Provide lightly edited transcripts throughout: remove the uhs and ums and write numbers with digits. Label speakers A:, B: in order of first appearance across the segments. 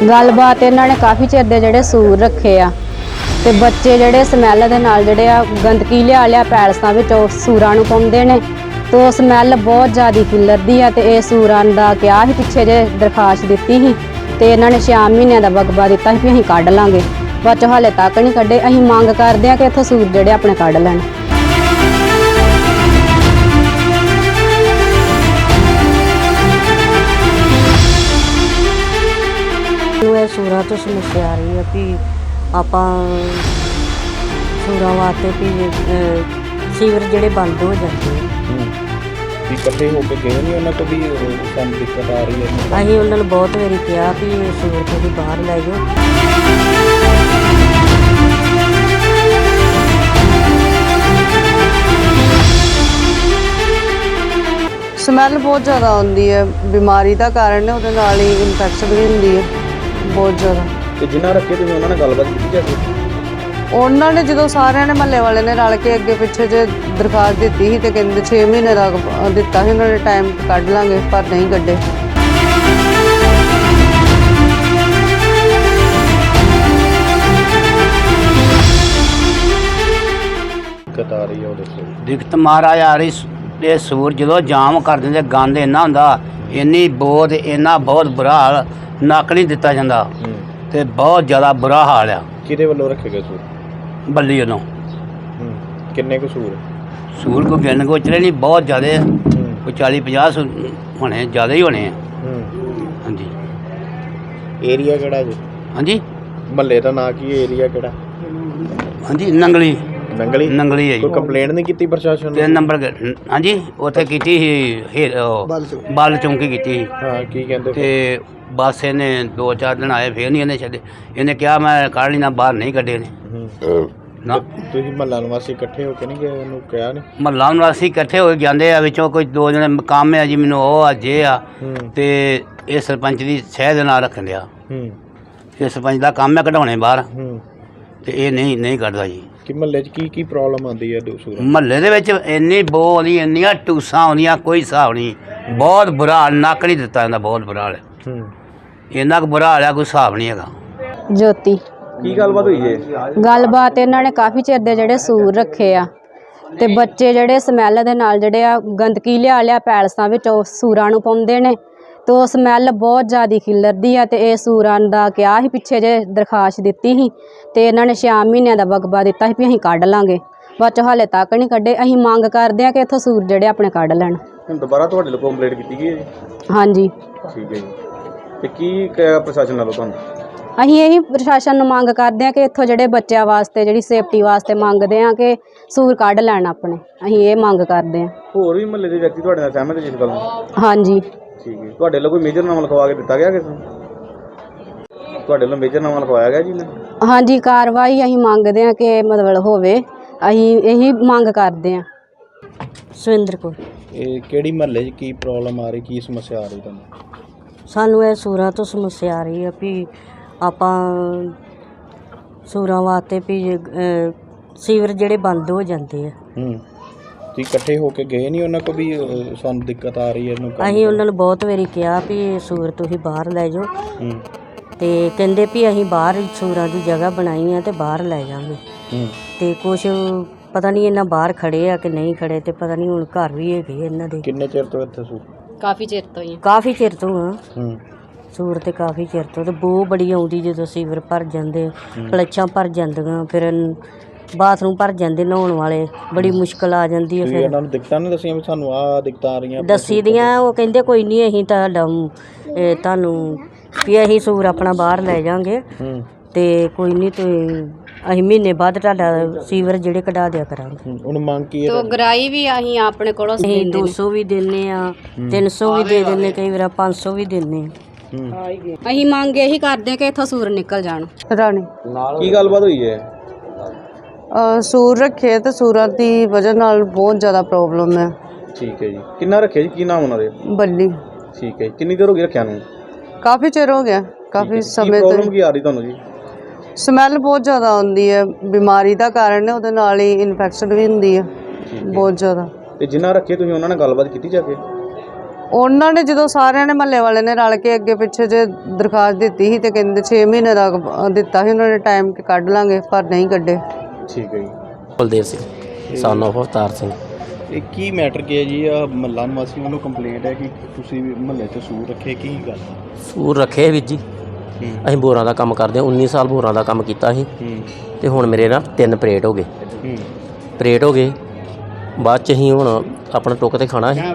A: ਗੱਲਬਾਤ ਇਹਨਾਂ ਨੇ ਕਾਫੀ ਚਿਰ ਦੇ ਜਿਹੜੇ ਸੂਰ ਰੱਖੇ ਆ ਤੇ ਬੱਚੇ ਜਿਹੜੇ ਸਮੈਲ ਦੇ ਨਾਲ ਜਿਹੜੇ ਆ ਗੰਦਗੀ ਲਿਆ ਪੈਲਸਾਂ ਵਿੱਚ ਉਹ ਸੂਰਾਂ ਨੂੰ ਪਾਉਂਦੇ ਨੇ ਤੇ ਉਹ ਸਮੈਲ ਬਹੁਤ ਜ਼ਿਆਦਾ ਖਿਲਰਦੀ ਆ ਤੇ ਇਹ ਸੂਰਾਂ ਦਾ ਕਿਹਾ ਸੀ ਪਿੱਛੇ ਜੇ ਦਰਖਾਸਤ ਦਿੱਤੀ ਸੀ ਤੇ ਇਹਨਾਂ ਨੇ 6 ਮਹੀਨਿਆਂ ਦਾ ਵਕਬਾ ਦਿੱਤਾ ਸੀ ਵੀ ਅਸੀਂ ਕੱਢ ਲਾਂਗੇ, ਬਾਅਦ ਚ ਹਾਲੇ ਤੱਕ ਨਹੀਂ ਕੱਢੇ। ਅਸੀਂ ਮੰਗ ਕਰਦੇ ਆ ਕਿ ਇੱਥੋਂ ਸੂਰ ਜਿਹੜੇ ਆਪਣੇ ਕੱਢ ਲੈਣ।
B: ਇਹ ਸੂਰਾਂ ਤੋਂ ਸਮੱਸਿਆ ਆ ਰਹੀ ਹੈ ਵੀ ਆਪਾਂ ਸੂਰਾਂ ਵਾਸਤੇ ਵੀ ਸੀਵਰ ਜਿਹੜੇ ਬੰਦ ਹੋ ਜਾਂਦੇ
C: ਵੀ ਇਕੱਠੇ ਹੋ ਕੇ ਗਏ ਨਹੀਂ ਉਹਨਾਂ ਤੋਂ ਵੀ ਸਾਨੂੰ ਦਿੱਕਤ ਆ ਰਹੀ ਹੈ।
B: ਅਸੀਂ ਉਹਨਾਂ ਨੂੰ ਬਹੁਤ ਵਾਰੀ ਕਿਹਾ ਵੀ ਸੀਵਰ ਤੋਂ ਵੀ ਬਾਹਰ ਲੈ ਜਾਓ।
D: ਸਮੈਲ ਬਹੁਤ ਜ਼ਿਆਦਾ ਆਉਂਦੀ ਹੈ, ਬਿਮਾਰੀ ਦਾ ਕਾਰਨ ਹੈ, ਉਹਦੇ ਨਾਲ ਹੀ ਇਨਫੈਕਸ਼ਨ ਵੀ ਹੁੰਦੀ ਹੈ ਬਹੁਤ ਜ਼ਿਆਦਾ।
C: ਤੇ ਜਿਨ੍ਹਾਂ ਰੱਖੇ ਤੁਸੀਂ ਉਹਨਾਂ ਨਾਲ ਗੱਲਬਾਤ ਕੀਤੀ ਜਾਂਦੀ?
D: ਉਹਨਾਂ ਨੇ ਜਦੋਂ ਸਾਰਿਆਂ ਨੇ ਮਹੱਲੇ ਵਾਲੇ ਨੇ ਰਲ ਕੇ ਅੱਗੇ ਪਿੱਛੇ ਜੇ ਦਰਖਾਸਤ ਦਿੱਤੀ ਸੀ ਤੇ ਕਹਿੰਦੇ 6 ਮਹੀਨੇ ਦਾ ਦਿੱਤਾ ਸੀ ਉਹਨਾਂ ਨੇ ਟਾਈਮ, ਕੱਢ ਲਾਂਗੇ, ਪਰ ਨਹੀਂ ਕੱਢੇ।
C: ਦਿੱਕਤ ਆ ਰਹੀ ਹੈ ਉਹਦੇ ਤੋਂ।
E: ਦਿੱਕਤ ਮਹਾਰਾਜ ਆ ਰਹੀ ਇਹ ਸੂਰ ਜਦੋਂ ਜਾਮ ਕਰ ਦਿੰਦੇ, ਗੰਦ ਇੰਨਾ ਹੁੰਦਾ, ਇੰਨੀ ਬੋਧ, ਇੰਨਾ ਬਹੁਤ ਬੁਰਾ ਹਾਲ, ਨੱਕ ਨਹੀਂ ਦਿੱਤਾ ਜਾਂਦਾ ਤੇ ਬਹੁਤ ਜ਼ਿਆਦਾ ਬੁਰਾ ਹਾਲ ਆ।
C: ਕਿਹਦੇ ਵੱਲੋਂ ਰੱਖੇ ਗਏ ਸੂਰ?
E: ਬੱਲੀ ਵੱਲੋਂ।
C: ਕਿੰਨੇ ਕੁ ਸੂਰ?
E: ਸੂਰ ਕੋਈ ਗਿਣ ਗੋਚਰੇ ਨਹੀਂ, ਬਹੁਤ ਜ਼ਿਆਦਾ, ਕੋਈ 40-50 ਹੋਣੇ, ਜ਼ਿਆਦਾ ਹੀ ਹੋਣੇ ਆ। ਹਾਂਜੀ।
C: ਏਰੀਆ ਕਿਹੜਾ ਜੀ?
E: ਹਾਂਜੀ
C: ਮਹੱਲੇ ਦਾ ਨਾਂ ਕੀ ਹੈ? ਏਰੀਆ ਕਿਹੜਾ?
E: ਹਾਂਜੀ ਨੰਗਲੀ।
C: ਨੰਗਲੀ ਹੈ ਜੀ। ਕੋਈ ਕੰਪਲੇਂਟ ਨਹੀਂ ਕੀਤੀ ਪ੍ਰਸ਼ਾਸਨ ਨੂੰ?
E: 3 ਨੰਬਰ ਹਾਂਜੀ ਉੱਥੇ ਕੀਤੀ ਸੀ, ਬਲ ਚੌਂਕੀ ਕੀਤੀ ਸੀ।
C: ਹਾਂ, ਕੀ ਕਹਿੰਦੇ?
E: ਤੇ ਬਸ ਇਹਨੇ 2-4 ਦਿਨ ਆਏ, ਫੇਰ ਨਹੀਂ ਇਹਨੇ ਛੱਡੇ। ਇਹਨੇ ਕਿਹਾ ਮੈਂ ਕੱਢ ਲੈਣਾ, ਬਾਹਰ ਨਹੀਂ ਕੱਢੇ ਨੇ ਨਾ।
C: ਤੁਸੀਂ ਮਹੱਲਾ ਨਿਵਾਸੀ ਇਕੱਠੇ ਹੋ ਕੇ ਨਹੀਂ ਗਏ, ਉਹਨੂੰ ਕਿਹਾ ਨਹੀਂ?
E: ਮਹੱਲਾ ਨਿਵਾਸੀ ਇਕੱਠੇ ਹੋ ਕੇ ਜਾਂਦੇ ਆ, ਵਿੱਚੋਂ ਕੋਈ 2 ਜਣੇ ਕੰਮ ਆ ਜੀ, ਮੈਨੂੰ ਉਹ ਆ ਜੇ ਆ, ਤੇ ਇਹ ਸਰਪੰਚ ਦੀ ਸਹਿ ਦੇ ਨਾਲ ਰੱਖਣ ਡਿਆ। ਇਹ ਸਰਪੰਚ ਦਾ ਕੰਮ ਹੈ ਕਢਾਉਣੇ ਬਾਹਰ, ਤੇ ਇਹ ਨਹੀਂ ਕੱਢਦਾ ਜੀ।
C: ਕਿ ਮਹੱਲੇ 'ਚ ਕੀ ਪ੍ਰੋਬਲਮ ਆਉਂਦੀ ਹੈ?
E: ਮਹੱਲੇ ਦੇ ਵਿੱਚ ਇੰਨੀ ਬੋ ਆਉਂਦੀ, ਇੰਨੀਆਂ ਟੂਸਾਂ ਆਉਂਦੀਆਂ, ਕੋਈ ਹਿਸਾਬ ਨਹੀਂ। ਬਹੁਤ ਬੁਰਾ ਹਾਲ, ਨੱਕ ਨਹੀਂ ਦਿੱਤਾ ਜਾਂਦਾ, ਬਹੁਤ ਬੁਰਾ ਹਾਲ। ਇੰਨਾ ਕੁ ਬੁਰਾ ਹਾਲ ਆ, ਕੋਈ ਹਿਸਾਬ ਨਹੀਂ ਹੈਗਾ।
A: ਜੋਤੀ।
C: ਕੀ ਗੱਲਬਾਤ ਹੋਈ ਹੈ?
A: ਗੱਲਬਾਤ ਇਹਨਾਂ ਨੇ ਕਾਫੀ ਚਿਰ ਦੇ ਜਿਹੜੇ ਸੂਰ ਰੱਖੇ ਆ ਤੇ ਬੱਚੇ ਜਿਹੜੇ ਸਮੈਲ ਦੇ ਨਾਲ ਜਿਹੜੇ ਆ ਗੰਦਗੀ ਲਿਆ ਪੈਲਸਾਂ ਵਿੱਚ ਉਹ ਸੂਰਾਂ ਨੂੰ ਪਾਉਂਦੇ ਨੇ ਤੇ ਉਹ ਸਮੈਲ ਬਹੁਤ ਜ਼ਿਆਦਾ ਖਿਲਰਦੀ ਆ ਤੇ ਇਹ ਸੂਰਾਂ ਦਾ ਕਿਹਾ ਸੀ ਪਿੱਛੇ ਜੇ ਦਰਖਾਸਤ ਦਿੱਤੀ ਸੀ ਤੇ ਇਹਨਾਂ ਨੇ 6 ਮਹੀਨਿਆਂ ਦਾ ਵਕਬਾ ਦਿੱਤਾ ਸੀ ਵੀ ਅਸੀਂ ਕੱਢ ਲਾਂਗੇ, ਬਾਅਦ ਚ ਹਾਲੇ ਤੱਕ ਨਹੀਂ ਕੱਢੇ। ਅਸੀਂ ਮੰਗ ਕਰਦੇ ਆ ਕਿ ਇੱਥੋਂ ਸੂਰ ਜਿਹੜੇ ਆਪਣੇ ਕੱਢ ਲੈਣ।
C: ਹੁਣ ਦੁਬਾਰਾ ਤੁਹਾਡੇ ਲੋਕ ਕੰਪਲੇਂਟ ਕੀਤੀ ਗਈ ਹੈ ਜੀ?
A: ਹਾਂਜੀ।
C: ਠੀਕ ਹੈ ਜੀ। ਤੇ ਕੀ ਕਿਹਾ ਪ੍ਰਸ਼ਾਸਨ ਵੱਲੋਂ ਤੁਹਾਨੂੰ?
A: ਅਸੀਂ ਇਹੀ ਪ੍ਰਸ਼ਾਸਨ ਨੂੰ ਮੰਗ ਕਰਦੇ ਆ ਕਿ ਇੱਥੋਂ ਜਿਹੜੇ ਬੱਚਿਆਂ ਵਾਸਤੇ, ਜਿਹੜੀ ਸੇਫਟੀ ਵਾਸਤੇ ਮੰਗਦੇ ਆ ਕਿ ਸੂਰ ਕੱਢ ਲੈਣ ਆਪਣੇ। ਅਸੀਂ ਇਹ ਮੰਗ ਕਰਦੇ ਆ।
C: ਹੋਰ ਵੀ ਮਹੱਲੇ ਦੇ ਵਿਅਕਤੀ ਤੁਹਾਡੇ ਨਾਲ ਸਹਿਮਤ ਜਿਸ ਗੱਲ ਨੂੰ?
A: ਹਾਂਜੀ।
C: ਠੀਕ ਹੈ। ਤੁਹਾਡੇ ਵੱਲੋਂ ਕੋਈ ਮੇਜਰਨਾਮਾ ਲਿਖਵਾ ਕੇ ਦਿੱਤਾ ਗਿਆ ਕਿਸੇ ਨੂੰ? ਤੁਹਾਡੇ ਵੱਲੋਂ ਮੇਜਰਨਾਮਾ ਲਿਖਵਾਇਆ ਗਿਆ ਜੀ?
A: ਹਾਂਜੀ, ਕਾਰਵਾਈ ਅਸੀਂ ਮੰਗਦੇ ਆ ਕਿ ਮਤਲਬ ਹੋਵੇ, ਅਸੀਂ ਇਹੀ ਮੰਗ ਕਰਦੇ ਆ।
B: ਸੁਰਿੰਦਰ ਕੌਰ।
C: ਇਹ ਕਿਹੜੀ ਮਹੱਲੇ 'ਚ ਕੀ ਪ੍ਰੋਬਲਮ ਆ ਰਹੀ, ਕੀ ਸਮੱਸਿਆ ਆ ਰਹੀ ਤੁਹਾਨੂੰ?
B: ਸਾਨੂੰ ਇਹ ਸੂਰਾਂ ਤੋਂ ਸਮੱਸਿਆ ਆ ਰਹੀ ਹੈ ਵੀ ਆਪਾਂ ਸੂਰਾਂ ਵਾਸਤੇ ਵੀ ਸੀਵਰ ਜਿਹੜੇ ਬੰਦ ਹੋ ਜਾਂਦੇ ਆ।
C: ਤੁਸੀਂ ਇਕੱਠੇ ਹੋ ਕੇ ਗਏ ਨਹੀਂ ਉਹਨਾਂ ਕੋਲ ਵੀ ਸਾਨੂੰ ਦਿੱਕਤ ਆ ਰਹੀ ਹੈ ਇਹਨੂੰ?
B: ਅਸੀਂ ਉਹਨਾਂ ਨੂੰ ਬਹੁਤ ਵਾਰੀ ਕਿਹਾ ਵੀ ਸੂਰ ਤੁਸੀਂ ਬਾਹਰ ਲੈ ਜਾਓ, ਤੇ ਕਹਿੰਦੇ ਵੀ ਅਸੀਂ ਬਾਹਰ ਸੂਰਾਂ ਦੀ ਜਗ੍ਹਾ ਬਣਾਈ ਆ ਤੇ ਬਾਹਰ ਲੈ ਜਾਵਾਂਗੇ। ਤੇ ਕੁਛ ਪਤਾ ਨਹੀਂ ਇਹਨਾਂ ਬਾਹਰ ਖੜੇ ਆ ਕਿ ਨਹੀਂ ਖੜੇ, ਤੇ ਪਤਾ ਨਹੀਂ ਹੁਣ ਘਰ ਵੀ ਹੈਗੇ ਇਹਨਾਂ ਦੇ।
C: ਕਿੰਨੇ ਚਿਰ ਤੋਂ ਇੱਥੇ ਸੂਰ?
A: ਕਾਫੀ ਚਿਰ ਤੋਂ ਹੀ।
B: ਕਾਫੀ ਚਿਰ ਤੋਂ ਆ ਸੂਰ, ਤੇ ਕਾਫੀ ਚਿਰ ਤੋਂ। ਤੇ ਬੋ ਬੜੀ ਆਉਂਦੀ ਜਦੋਂ ਸੀਵਰ ਭਰ ਜਾਂਦੇ, ਕਲੱਛਾਂ ਭਰ ਜਾਂਦੀਆਂ, ਫਿਰ ਬਾਥਰੂਮ ਭਰ ਜਾਂਦੇ ਨਹਾਉਣ ਵਾਲੇ, ਬੜੀ ਮੁਸ਼ਕਲ ਆ ਜਾਂਦੀ ਹੈ। ਫਿਰ
C: ਇਹਨਾਂ ਨੂੰ ਦਿੱਕਤਾਂ ਨਹੀਂ ਦੱਸੀਆਂ ਵੀ ਸਾਨੂੰ ਆਹ ਦਿੱਕਤਾਂ ਆ ਰਹੀਆਂ?
B: ਦੱਸੀ ਦੀਆਂ, ਉਹ ਕਹਿੰਦੇ ਕੋਈ ਨਹੀਂ, ਅਸੀਂ ਤੁਹਾਨੂੰ ਵੀ ਅਸੀਂ ਸੂਰ ਆਪਣਾ ਬਾਹਰ ਲੈ ਜਾਵਾਂਗੇ, ਤੇ ਕੋਈ ਨਹੀਂ, ਤੇ ਅਸੀਂ ਮਹੀਨੇ ਬਾਅਦ ਤੁਹਾਡਾ ਸੀਵਰ ਜਿਹੜੇ ਕਢਾ ਦਿਆ ਕਰਾਂਗੇ।
C: ਹੁਣ ਮੰਗ ਕੀ ਹੈ?
A: ਤੋ ਗਰਾਈ ਵੀ ਅਸੀਂ ਆਪਣੇ ਕੋਲੋਂ
B: ਅਸੀਂ 200 ਵੀ ਦਿੰਨੇ ਆ, 300 ਵੀ ਦੇ ਦਿੰਨੇ, ਕਈ ਵਾਰ 500 ਵੀ ਦਿੰਨੇ।
A: ਅਸੀਂ ਮੰਗ ਇਹੀ ਕਰਦੇ ਕਿ ਇੱਥੋਂ ਸੂਰ ਨਿਕਲ ਜਾਣ।
D: ਰਾਣੀ।
C: ਕੀ ਗੱਲਬਾਤ ਹੋਈ ਹੈ?
D: ਸੂਰ ਰੱਖੇ ਤੇ ਸੂਰਾਂ ਦੀ ਵਜ੍ਹਾ ਨਾਲ ਬਹੁਤ ਜ਼ਿਆਦਾ ਪ੍ਰੋਬਲਮ ਹੈ।
C: ਠੀਕ ਹੈ ਜੀ। ਕਿੰਨਾ ਰੱਖਿਆ ਜੀ? ਕੀ ਨਾਮ ਉਹਨਾਂ ਦੇ?
D: ਬੱਲੀ।
C: ਠੀਕ ਹੈ ਜੀ। ਕਿੰਨੀ ਦੇਰ ਹੋ ਗਈ ਰੱਖਿਆ ਨੂੰ?
D: ਕਾਫੀ ਚਿਰ ਹੋ ਗਿਆ, ਕਾਫੀ ਸਮੇਂ ਤੋਂ।
C: ਪ੍ਰੋਬਲਮ ਕੀ ਆ ਰਹੀ ਤੁਹਾਨੂੰ ਜੀ?
D: ਸਮੈਲ ਬਹੁਤ ਜ਼ਿਆਦਾ ਆਉਂਦੀ ਹੈ, ਬਿਮਾਰੀ ਦਾ ਕਾਰਨ ਹੈ, ਉਹਦੇ ਨਾਲ ਹੀ ਇਨਫੈਕਸ਼ਨ ਵੀ ਹੁੰਦੀ ਹੈ ਬਹੁਤ ਜ਼ਿਆਦਾ।
C: ਤੇ ਜਿਨ੍ਹਾਂ ਰੱਖੇ ਤੁਸੀਂ ਉਹਨਾਂ ਨਾਲ ਗੱਲਬਾਤ ਕੀਤੀ ਜਾ ਕੇ?
D: ਉਹਨਾਂ ਨੇ ਜਦੋਂ ਸਾਰਿਆਂ ਨੇ ਮਹੱਲੇ ਵਾਲੇ ਨੇ ਰਲ ਕੇ ਅੱਗੇ ਪਿੱਛੇ ਜੇ ਦਰਖਾਸਤ ਦਿੱਤੀ ਸੀ ਤੇ ਕਹਿੰਦੇ 6 ਮਹੀਨੇ ਦਾ ਦਿੱਤਾ ਸੀ ਉਹਨਾਂ ਨੇ ਟਾਈਮ ਕਿ ਕੱਢ ਲਾਂਗੇ, ਪਰ ਨਹੀਂ ਕੱਢੇ।
C: ਠੀਕ ਹੈ ਜੀ।
F: ਬਲਦੇਵ ਸਿੰਘ son of ਅਵਤਾਰ ਸਿੰਘ।
C: ਇਹ ਕੀ ਮੈਟਰ ਕੀ ਹੈ ਜੀ? ਆ ਮਹੱਲਾ ਨਿਵਾਸੀਆਂ ਵੱਲੋਂ ਕੰਪਲੇਂਟ ਹੈ ਕਿ ਤੁਸੀਂ ਮਹੱਲੇ 'ਚ ਸੂਰ ਰੱਖੇ, ਕੀ ਗੱਲ?
F: ਸੂਰ ਰੱਖੇ ਵੀਰ ਜੀ, ਅਸੀਂ ਬੋਰਾਂ ਦਾ ਕੰਮ ਕਰਦੇ ਹਾਂ, 19 ਸਾਲ ਬੋਰਾਂ ਦਾ ਕੰਮ ਕੀਤਾ ਸੀ ਤੇ ਹੁਣ ਮੇਰੇ ਨਾਲ 3 ਪਰੇਡ ਹੋ ਗਏ। ਪਰੇਡ ਹੋ ਗਏ, ਬਾਅਦ 'ਚ ਅਸੀਂ ਹੁਣ ਆਪਣਾ ਟੁੱਕ ਤੇ ਖਾਣਾ ਸੀ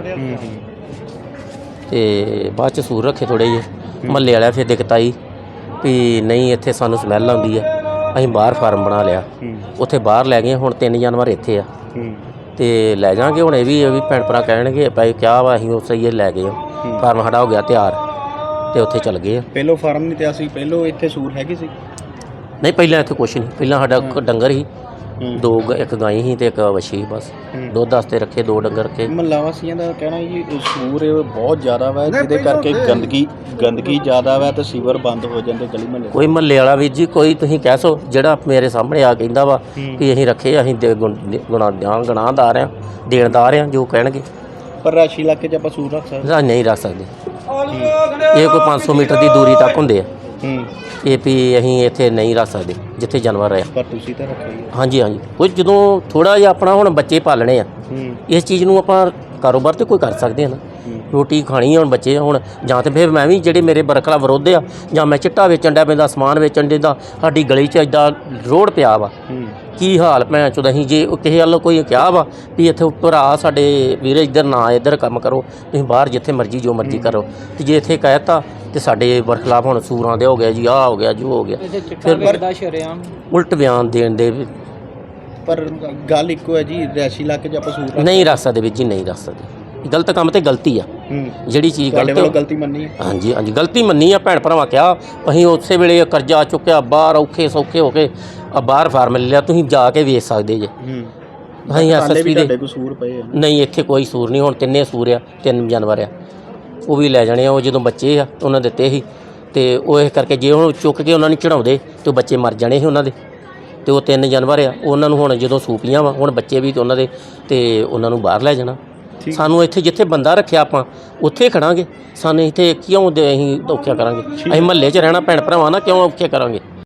F: ਤੇ ਬਾਅਦ 'ਚ ਸੂਰ ਰੱਖੇ ਥੋੜ੍ਹੇ ਜਿਹੇ। ਮਹੱਲੇ ਵਾਲਿਆਂ ਫਿਰ ਦਿੱਕਤ ਆਈ ਵੀ ਨਹੀਂ ਇੱਥੇ ਸਾਨੂੰ ਸਮੈਲ ਆਉਂਦੀ ਹੈ, ਅਸੀਂ ਬਾਹਰ ਫਾਰਮ ਬਣਾ ਲਿਆ, ਉੱਥੇ ਬਾਹਰ ਲੈ ਗਏ। ਹੁਣ 3 ਜਾਨਵਰ ਇੱਥੇ ਆ ਤੇ ਲੈ ਜਾਾਂਗੇ। ਹੁਣ ਇਹ ਵੀ ਭੈਣ ਭਰਾ ਕਹਿਣਗੇ ਭਾਈ ਕਿਆ ਵਾ, ਅਸੀਂ ਉਸੇ ਹੀ ਲੈ ਗਏ ਫਾਰਮ ਸਾਡਾ ਹੋ ਗਿਆ ਤਿਆਰ ਤੇ ਉੱਥੇ ਚੱਲ ਗਏ ਆ।
C: ਪਹਿਲੋਂ ਫਾਰਮ ਨਹੀਂ ਤੇ ਅਸੀਂ ਪਹਿਲੋਂ ਇੱਥੇ ਸੂਰ ਹੈਗੀ ਸੀ?
F: ਨਹੀਂ ਪਹਿਲਾਂ ਇੱਥੇ ਕੁਛ ਨਹੀਂ, ਪਹਿਲਾਂ ਸਾਡਾ ਡੰਗਰ ਸੀ, ਇੱਕ ਗਾਂ ਸੀ ਤੇ ਇੱਕ ਵੱਛੀ, ਬਸ ਦੁੱਧ ਵਾਸਤੇ ਰੱਖੇ 2 ਡੰਗਰ ਰੱਖੇ।
C: ਮਹੱਲਾ ਵਾਸੀਆਂ ਦਾ ਕਹਿਣਾ ਜੀ ਸੂਰ ਬਹੁਤ ਜ਼ਿਆਦਾ ਵਾ, ਜਿਹਦੇ ਕਰਕੇ ਗੰਦਗੀ ਜ਼ਿਆਦਾ ਵਾ ਤੇ ਸੀਵਰ ਬੰਦ ਹੋ ਜਾਂਦੇ ਗਲੀ ਮਹੱਲੇ।
F: ਕੋਈ ਮਹੱਲੇ ਵਾਲਾ ਵੀਰ ਜੀ ਕੋਈ ਤੁਸੀਂ ਕਹਿ ਸੋ ਜਿਹੜਾ ਮੇਰੇ ਸਾਹਮਣੇ ਆ ਕਹਿੰਦਾ ਵਾ ਕਿ ਅਸੀਂ ਰੱਖੇ, ਅਸੀਂ ਗੁਨਾਹਦਾਰ ਆ, ਦੇਣਦਾਰ ਆ, ਜੋ ਕਹਿਣਗੇ।
C: ਪਰ ਰਾਸ਼ੀ ਇਲਾਕੇ 'ਚ ਆਪਾਂ ਸੂਰ ਰੱਖ ਸਕਦੇ?
F: ਨਹੀਂ ਰੱਖ ਸਕਦੇ, ਇਹ ਕੋਈ 500 ਮੀਟਰ ਦੀ ਦੂਰੀ ਤੱਕ ਹੁੰਦੇ ਆ। ਇਹ ਵੀ ਅਸੀਂ ਇੱਥੇ ਨਹੀਂ ਰੱਖ ਸਕਦੇ ਜਿੱਥੇ ਜਾਨਵਰ ਆ।
C: ਪਰ ਤੁਸੀਂ ਤਾਂ ਰੱਖਿਆ ਹੀ।
F: ਹਾਂਜੀ ਕੋਈ ਜਦੋਂ ਥੋੜ੍ਹਾ ਜਿਹਾ ਆਪਣਾ ਹੁਣ ਬੱਚੇ ਪਾਲਣੇ ਆ, ਇਸ ਚੀਜ਼ ਨੂੰ ਆਪਾਂ ਕਾਰੋਬਾਰ ਤੇ ਕੋਈ ਕਰ ਸਕਦੇ ਹਾਂ ਨਾ। ਰੋਟੀ ਖਾਣੀ ਆ, ਹੁਣ ਬੱਚੇ ਹੁਣ ਜਾਂ ਤਾਂ ਫਿਰ ਮੈਂ ਵੀ ਜਿਹੜੇ ਮੇਰੇ ਬਰਖਲਾ ਵਿਰੋਧ ਆ, ਜਾਂ ਮੈਂ ਚਿੱਟਾ ਵੇਚਣ ਡਿਆ ਪੈਂਦਾ, ਸਮਾਨ ਵੇਚਣ ਦੇ ਦਾ। ਸਾਡੀ ਗਲੀ 'ਚ ਇੱਦਾਂ ਰੋਡ ਪਿਆ ਵਾ, ਕੀ ਹਾਲ ਭੈਣ ਚੋਦ। ਅਸੀਂ ਜੇ ਕਿਸੇ ਵੱਲੋਂ ਕੋਈ ਕਿਹਾ ਵਾ ਵੀ ਇੱਥੇ ਭਰਾ ਸਾਡੇ ਵੀਰੇ ਇੱਧਰ ਨਾ ਇੱਧਰ ਕੰਮ ਕਰੋ, ਤੁਸੀਂ ਬਾਹਰ ਜਿੱਥੇ ਮਰਜ਼ੀ ਜੋ ਮਰਜ਼ੀ ਕਰੋ, ਤੇ ਜੇ ਇੱਥੇ ਕਹਿਤਾ ਤੇ ਸਾਡੇ ਬਰਖਲਾਫ ਹੁਣ ਸੂਰਾਂ ਦੇ ਹੋ ਗਿਆ ਜੀ, ਆਹ ਹੋ ਗਿਆ ਜੋ ਹੋ ਗਿਆ, ਫਿਰ ਉਲਟ ਬਿਆਨ ਦੇਣ ਦੇ।
C: ਪਰ ਗੱਲ ਇੱਕੋ ਹੈ ਜੀ, ਰਿਹਾਇਸ਼ੀ ਇਲਾਕੇ 'ਚ ਆਪਾਂ ਸੂਰ
F: ਨਹੀਂ ਰੱਖ ਸਕਦੇ ਵੀਰ ਜੀ, ਨਹੀਂ ਰੱਖ ਸਕਦੇ। ਗਲਤ ਕੰਮ ਤੇ ਗਲਤੀ ਆ, ਜਿਹੜੀ ਚੀਜ਼ ਗਲਤ
C: ਗਲਤੀ ਮੰਨੀ ਹੈ। ਹਾਂਜੀ
F: ਗਲਤੀ ਮੰਨੀ ਆ। ਭੈਣ ਭਰਾਵਾਂ ਕਿਹਾ, ਅਸੀਂ ਉਸੇ ਵੇਲੇ ਕਰਜ਼ਾ ਚੁੱਕਿਆ, ਬਾਹਰ ਔਖੇ ਸੌਖੇ ਹੋ ਕੇ ਬਾਹਰ ਫਾਰਮ ਲੈ ਲਿਆ, ਤੁਸੀਂ ਜਾ ਕੇ ਵੇਚ ਸਕਦੇ ਜੇ। ਅਸੀਂ ਐਸਐਸਪੀ ਦੇ
C: ਸੂਰ ਪਏ
F: ਨਹੀਂ, ਇੱਥੇ ਕੋਈ ਸੂਰ ਨਹੀਂ। ਹੁਣ 3 ਸੂਰ ਆ, 3 ਜਾਨਵਰ ਆ, ਉਹ ਵੀ ਲੈ ਜਾਣੇ ਆ। ਉਹ ਜਦੋਂ ਬੱਚੇ ਆ ਉਹਨਾਂ ਦਿੱਤੇ ਸੀ ਤੇ ਉਹ ਇਸ ਕਰਕੇ ਜੇ ਹੁਣ ਚੁੱਕ ਕੇ ਉਹਨਾਂ ਨੂੰ ਚੜਾਉਂਦੇ ਤੇ ਬੱਚੇ ਮਰ ਜਾਣੇ ਸੀ ਉਹਨਾਂ ਦੇ। ਤੇ ਉਹ 3 ਜਾਨਵਰ ਆ, ਉਹਨਾਂ ਨੂੰ ਹੁਣ ਜਦੋਂ ਸੂਪੀਆਂ ਵਾ, ਹੁਣ ਬੱਚੇ ਵੀ ਤੇ ਉਹਨਾਂ ਦੇ, ਤੇ ਉਹਨਾਂ ਨੂੰ ਬਾਹਰ ਲੈ ਜਾਣਾ। ਸਾਨੂੰ ਇੱਥੇ ਜਿੱਥੇ ਬੰਦਾ ਰੱਖਿਆ ਆਪਾਂ ਉੱਥੇ ਖੜਾਂਗੇ, ਸਾਨੂੰ ਇੱਥੇ ਕਿਉਂ ਅਸੀਂ ਔਖਿਆ ਕਰਾਂਗੇ? ਅਸੀਂ ਮਹੱਲੇ 'ਚ ਰਹਿਣਾ ਭੈਣ ਭਰਾਵਾਂ ਨਾਲ, ਕਿਉਂ ਔਖੇ ਕਰਾਂਗੇ?